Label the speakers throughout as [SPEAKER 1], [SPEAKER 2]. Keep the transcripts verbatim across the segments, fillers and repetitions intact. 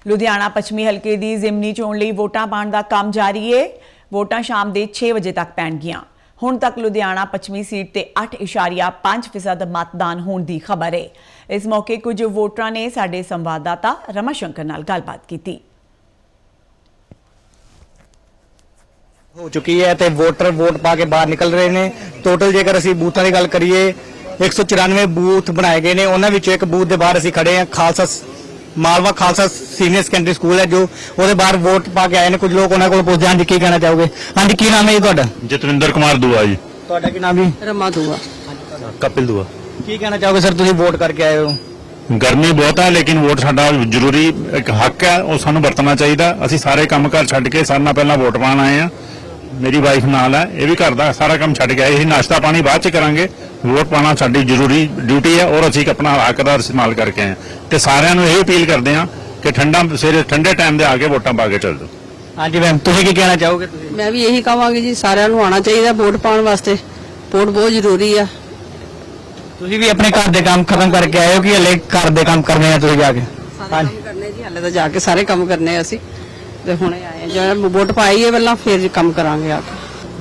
[SPEAKER 1] ਲੁਧਿਆਣਾ ਪੱਛਮੀ ਹਲਕੇ ਦੀ ਜ਼ਿਮਨੀ ਚੋਣ ਲਈ ਵੋਟਾਂ ਪਾਉਣ ਦਾ ਕੰਮ ਜਾਰੀ ਹੈ। ਵੋਟਾਂ ਸ਼ਾਮ ਦੇ ਛੇ ਵਜੇ ਤੱਕ ਪੈਣਗੀਆਂ। ਹੁਣ ਤੱਕ ਲੁਧਿਆਣਾ ਪੱਛਮੀ ਸੀਟ ਤੇ ਅੱਠ ਇਸ਼ਾਰੀਆ ਪੰਜ ਫੀਸਦ मतदान होने की खबर है। इस मौके कुछ वोटरां ने साडे संवाददाता रमा शंकर नाल गलबात की।
[SPEAKER 2] हो चुकी है तो वोटर वोट पा के बाहर निकल रहे हैं। टोटल जेकर असीं बूथां की गल करिए एक सौ चौरानवे बूथ बनाए गए हैं। उन्हां विचों एक बूथ के बाहर असीं खड़े हैं। Khalsa Malwa Khalsa senior secondary school है जो ਉਹਦੇ ਬਾਹਰ ਵੋਟ ਪਾ ਕੇ ਆਏ ਨੇ। ਕੁਝ ਲੋਕ ਉਹਨਾਂ ਕੋਲ ਪੁੱਛਦੇ ਹਾਂ ਜੀ ਕੀ ਕਹਿਣਾ ਚਾਹੋਗੇ। ਹਾਂਜੀ ਕੀ ਨਾਮ ਹੈ ਜੀ ਤੁਹਾਡਾ?
[SPEAKER 3] ਜਤਵਿੰਦਰ ਕੁਮਾਰ ਦੁਆ ਜੀ।
[SPEAKER 2] ਤੁਹਾਡਾ ਕੀ ਨਾਮ ਜੀ?
[SPEAKER 4] रमा दुआ।
[SPEAKER 3] ਕਪਿਲ ਦੁਆ।
[SPEAKER 2] ਕੀ ਕਹਿਣਾ ਚਾਹੋਗੇ ਸਰ ਤੁਸੀਂ ਵੋਟ ਕਰਕੇ ਆਏ ਹੋ?
[SPEAKER 3] ਗਰਮੀ ਬਹੁਤ ਹੈ ਲੇਕਿਨ ਵੋਟ ਸਾਡਾ ਜ਼ਰੂਰੀ ਇੱਕ ਹੱਕ ਹੈ, ਉਹ ਸਾਨੂੰ ਵਰਤਣਾ ਚਾਹੀਦਾ। ਅਸੀਂ ਸਾਰੇ ਕੰਮ ਘਰ ਛੱਡ ਕੇ ਸਾਰਿਆਂ ਨਾਲ ਪਹਿਲਾਂ ਵੋਟ ਪਾਉਣ ਆਏ ਆ। ਮੇਰੀ ਵਾਈਫ ਨਾਲ ਹੈ, ਇਹ ਵੀ ਘਰ ਦਾ ਸਾਰਾ ਕੰਮ ਛੱਡ ਕੇ ਆਏ। ਅਸੀਂ ਨਾਸ਼ਤਾ ਪਾਣੀ ਬਾਅਦ ਚ ਕਰਾਂਗੇ। ਵੋਟ ਪਾਉਣਾ ਸਾਡੀ ਜ਼ਰੂਰੀ ਡਿਊਟੀ ਹੈ ਔਰ ਅਸੀਂ ਆਪਣਾ ਹੱਕ ਦਾ ਇਸਤੇਮਾਲ ਕਰਕੇ ਆਏ ਤੇ ਸਾਰਿਆਂ ਨੂੰ ਇਹ ਅਪੀਲ ਕਰਦੇ ਹਾਂ ਕਿ ਠੰਡਾ ਸਵੇਰੇ ਠੰਡੇ ਟਾਈਮ ਦੇ ਆ ਕੇ ਵੋਟਾਂ ਪਾ ਕੇ ਚੱਲ ਜਾਓ।
[SPEAKER 2] ਹਾਂਜੀ ਮੈਮ ਤੁਸੀਂ ਕੀ ਕਹਿਣਾ ਚਾਹੋਗੇ? ਤੁਸੀਂ
[SPEAKER 4] मैं भी यही कहांगी जी सारिਆਂ ਨੂੰ ਆਉਣਾ ਚਾਹੀਦਾ ਵੋਟ ਪਾਉਣ ਵਾਸਤੇ। ਵੋਟ ਬਹੁਤ ਜ਼ਰੂਰੀ ਆ।
[SPEAKER 2] ਤੁਸੀਂ ਵੀ ਆਪਣੇ ਘਰ ਦੇ ਕੰਮ ਖਤਮ ਕਰਕੇ ਆਏ ਹੋ ਕਿ ਹਲੇ ਘਰ ਦੇ ਕੰਮ ਕਰਨੇ ਆ ਤੁਸੀਂ ਜਾ ਕੇ?
[SPEAKER 4] ਸਾਰੇ ਕੰਮ ਕਰਨੇ ਜੀ, ਹਲੇ ਤਾਂ ਜਾ ਕੇ ਸਾਰੇ ਕੰਮ ਕਰਨੇ ਆ ਅਸੀਂ ਤੇ ਹੁਣੇ ਆਏ ਜਦੋਂ ਵੋਟ ਪਾਈ ਹੈ ਪਹਿਲਾਂ ਫਿਰ ਕੰਮ ਕਰਾਂਗੇ ਆ ਕੇ।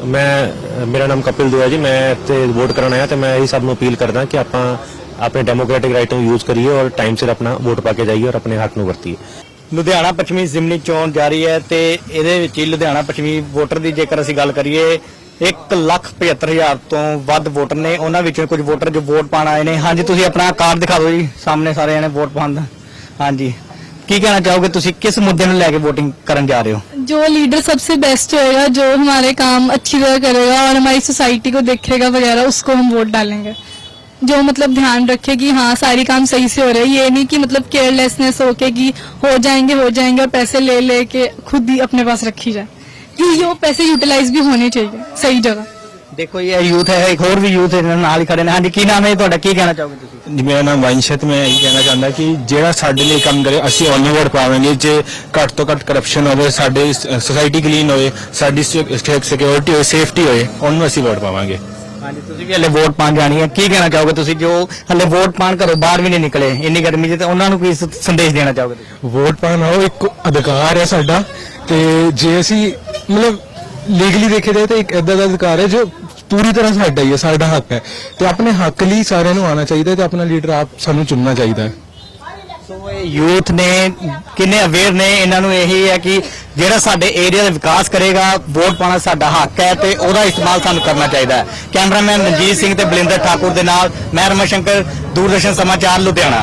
[SPEAKER 5] मैं मेरा नाम कपिल दुआ जी। मैं इत्थे वोट कराने आया तो मैं यही सब नूं अपील करदा कि आपां अपने डेमोक्रेटिक राइट ਨੂੰ यूज करिए और टाइम सिर अपना वोट पा के जाइए और अपने हक ਨੂੰ ਵਰਤੀਏ।
[SPEAKER 2] ਲੁਧਿਆਣਾ ਪੱਛਮੀ ਜ਼ਿਮਨੀ ਚੋਣ ਜਾਰੀ ਹੈ ਤੇ ਇਹਦੇ ਵਿੱਚ ਹੀ ਲੁਧਿਆਣਾ ਪੱਛਮੀ ਵੋਟਰ ਦੀ ਜੇਕਰ ਅਸੀਂ ਗੱਲ ਕਰੀਏ ਇੱਕ ਲੱਖ ਪਝੱਤਰ ਹਜ਼ਾਰ ਤੋਂ ਵੱਧ ਵੋਟਰ ਨੇ। ਉਹਨਾਂ ਵਿੱਚੋਂ ਕੁਝ ਵੋਟਰ ਜੋ ਵੋਟ ਪਾਣ ਆਏ ਨੇ। ਹਾਂਜੀ ਤੁਸੀਂ ਆਪਣਾ ਕਾਰਡ ਦਿਖਾ ਦਿਓ ਜੀ ਸਾਹਮਣੇ ਸਾਰੇ ਜਣੇ ਵੋਟ ਪਾਉਣ ਦਾ। ਹਾਂਜੀ ਕੀ ਕਹਿਣਾ ਚਾਹੋਗੇ ਤੁਸੀਂ ਕਿਸ ਮੁੱਦੇ ਨੂੰ ਲੈ ਕੇ वोटिंग करने जा रहे हो?
[SPEAKER 6] जो लीडर सबसे बेस्ट होएगा, जो हमारे काम अच्छी तरह करेगा और हमारी सोसाइटी को देखेगा वगैरह, उसको हम वोट डालेंगे। जो मतलब ध्यान रखे कि हाँ सारी काम सही से हो रहे हैं। ये नहीं कि मतलब केयरलेसनेस हो के कि हो जाएंगे हो जाएंगे और पैसे ले ले के खुद ही अपने पास रखी जाए। कि ये पैसे यूटिलाइज भी होने चाहिए सही जगह।
[SPEAKER 2] देखो ये यूथ है, एक और भी यूथ है नाल ही खड़े ने। हाँ जी की नाम है ਤੁਹਾਡਾ? ਕੀ ਕਹਿਣਾ ਚਾਹੋਗੇ ਤੁਸੀਂ?
[SPEAKER 5] जी मेरा नाम वंशत। मैं यही कहना चाहता कि ਜਿਹੜਾ ਸਾਡੇ ਲਈ ਕੰਮ ਕਰੇ ਅਸੀਂ ਉਹਨੂੰ ਵੋਟ ਪਾਵਾਂਗੇ। ਜੇ ਘੱਟ ਤੋਂ ਘੱਟ ਕਰਪਸ਼ਨ ਹੋਵੇ, ਸਾਡੀ ਸੋਸਾਇਟੀ ਕਲੀਨ ਹੋਵੇ, ਸਾਡੀ ਸਿਕਿਉਰਿਟੀ ਹੋਵੇ, ਸੇਫਟੀ ਹੋਵੇ, ਉਹਨੂੰ ਅਸੀਂ ਵੋਟ ਪਾਵਾਂਗੇ।
[SPEAKER 2] ਹਾਂਜੀ ਤੁਸੀਂ ਵੀ ਹਲੇ ਵੋਟ ਪਾਣ ਜਾਣੀ ਹੈ। ਕੀ ਕਹਿਣਾ ਚਾਹੋਗੇ ਤੁਸੀਂ ਜੋ ਹਲੇ ਵੋਟ ਪਾਣ ਘਰੋਂ ਬਾਹਰ ਵੀ ਨਹੀਂ ਨਿਕਲੇ ਇੰਨੀ ਗਰਮੀ 'ਚ, ਤੇ ਉਹਨਾਂ ਨੂੰ ਕੀ ਸ- ਸੰਦੇਸ਼ ਦੇਣਾ ਚਾਹੋਗੇ ਤੁਸੀਂ?
[SPEAKER 5] ਵੋਟ ਪਾਉਣਾ ਉਹ ਇੱਕ ਅਧਿਕਾਰ ਹੈ ਸਾਡਾ ਤੇ ਜੇ ਅਸੀਂ ਮਤਲਬ ਲੀਗਲੀ ਦੇਖਿਆ ਜਾਏ ਤਾਂ ਇੱਕ ਏਦਾਂ ਦਾ ਅਧਿਕਾਰ ਹੈ ਜੋ ਪੂਰੀ ਤਰ੍ਹਾਂ ਸਾਡਾ ਹੀ ਹੈ, ਸਾਡਾ ਹੱਕ ਹੈ ਤੇ ਆਪਣੇ ਹੱਕ ਲਈ ਸਾਰਿਆਂ ਨੂੰ ਆਉਣਾ ਚਾਹੀਦਾ ਤੇ ਆਪਣਾ ਲੀਡਰ ਆਪ ਸਾਨੂੰ ਚੁਣਨਾ ਚਾਹੀਦਾ ਹੈ।
[SPEAKER 2] ਸੋ ਇਹ ਯੂਥ ਨੇ ਕਿੰਨੇ ਅਵੇਅਰ ਨੇ, ਇਹਨਾਂ ਨੂੰ ਇਹੀ ਹੈ ਕਿ ਜਿਹੜਾ ਸਾਡੇ ਏਰੀਆ ਦਾ ਵਿਕਾਸ ਕਰੇਗਾ, ਵੋਟ ਪਾਣਾ ਸਾਡਾ ਹੱਕ ਹੈ ਤੇ ਉਹਦਾ ਇਸਤੇਮਾਲ ਸਾਨੂੰ ਕਰਨਾ ਚਾਹੀਦਾ ਹੈ। ਕੈਮਰਾਮੈਨ ਰਣਜੀਤ ਸਿੰਘ ਤੇ ਬਲਿੰਦਰ ਠਾਕੁਰ ਦੇ ਨਾਲ ਮੈਂ ਰਮਾ ਸ਼ੰਕਰ, ਦੂਰਦਰਸ਼ਨ ਸਮਾਚਾਰ ਲੁਧਿਆਣਾ।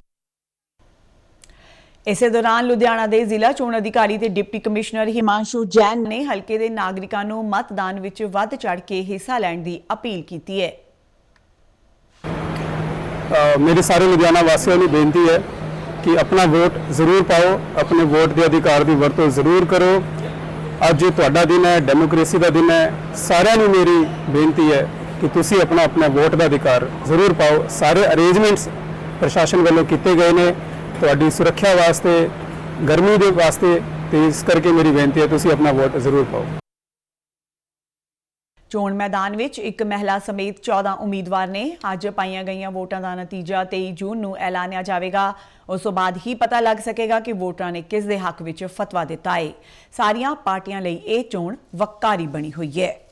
[SPEAKER 1] ਇਸੇ ਦੌਰਾਨ ਲੁਧਿਆਣਾ ਦੇ ਜ਼ਿਲ੍ਹਾ ਚੋਣ ਅਧਿਕਾਰੀ ਤੇ ਡਿਪਟੀ ਕਮਿਸ਼ਨਰ ਹਿਮਾਂਸ਼ੂ ਜੈਨ ਨੇ ਹਲਕੇ ਦੇ ਨਾਗਰਿਕਾਂ ਨੂੰ ਮਤਦਾਨ ਵਿੱਚ ਵੱਧ ਚੜ੍ਹ ਕੇ ਹਿੱਸਾ ਲੈਣ ਦੀ ਅਪੀਲ ਕੀਤੀ ਹੈ।
[SPEAKER 7] मेरे सारे लुधियाना वासियों की बेनती है कि अपना वोट जरूर पाओ, अपने वोट के अधिकार की वरतों जरूर करो। अज तुहाडा दिन है, डेमोक्रेसी का दिन है। सारिਆਂ ਨੂੰ मेरी बेनती है कि तुसी अपना अपना वोट का अधिकार जरूर पाओ। सारे अरेंजमेंट्स प्रशासन वालों किए गए हैं तुहाडी सुरक्षा वास्ते, गर्मी के वास्ते, तो इस करके मेरी बेनती है तुसी अपना वोट जरूर पाओ।
[SPEAKER 1] ਚੋਣ ਮੈਦਾਨ ਵਿੱਚ ਇੱਕ ਮਹਿਲਾ ਸਮੇਤ ਚੌਦਾਂ ਉਮੀਦਵਾਰ ਨੇ। ਅੱਜ ਪਾਈਆਂ ਗਈਆਂ ਵੋਟਾਂ ਦਾ ਨਤੀਜਾ ਤੇਈ ਜੂਨ ਨੂੰ ਐਲਾਨਿਆ ਜਾਵੇਗਾ। ਉਸ ਤੋਂ ਬਾਅਦ ਹੀ ਪਤਾ ਲੱਗ ਸਕੇਗਾ ਕਿ ਵੋਟਰਾਂ ਨੇ ਕਿਸ ਦੇ ਹੱਕ ਵਿੱਚ ਫਤਵਾ ਦਿੱਤਾ ਹੈ। ਸਾਰੀਆਂ ਪਾਰਟੀਆਂ ਲਈ ਇਹ ਚੋਣ ਵੱਕਾਰੀ ਬਣੀ ਹੋਈ ਹੈ।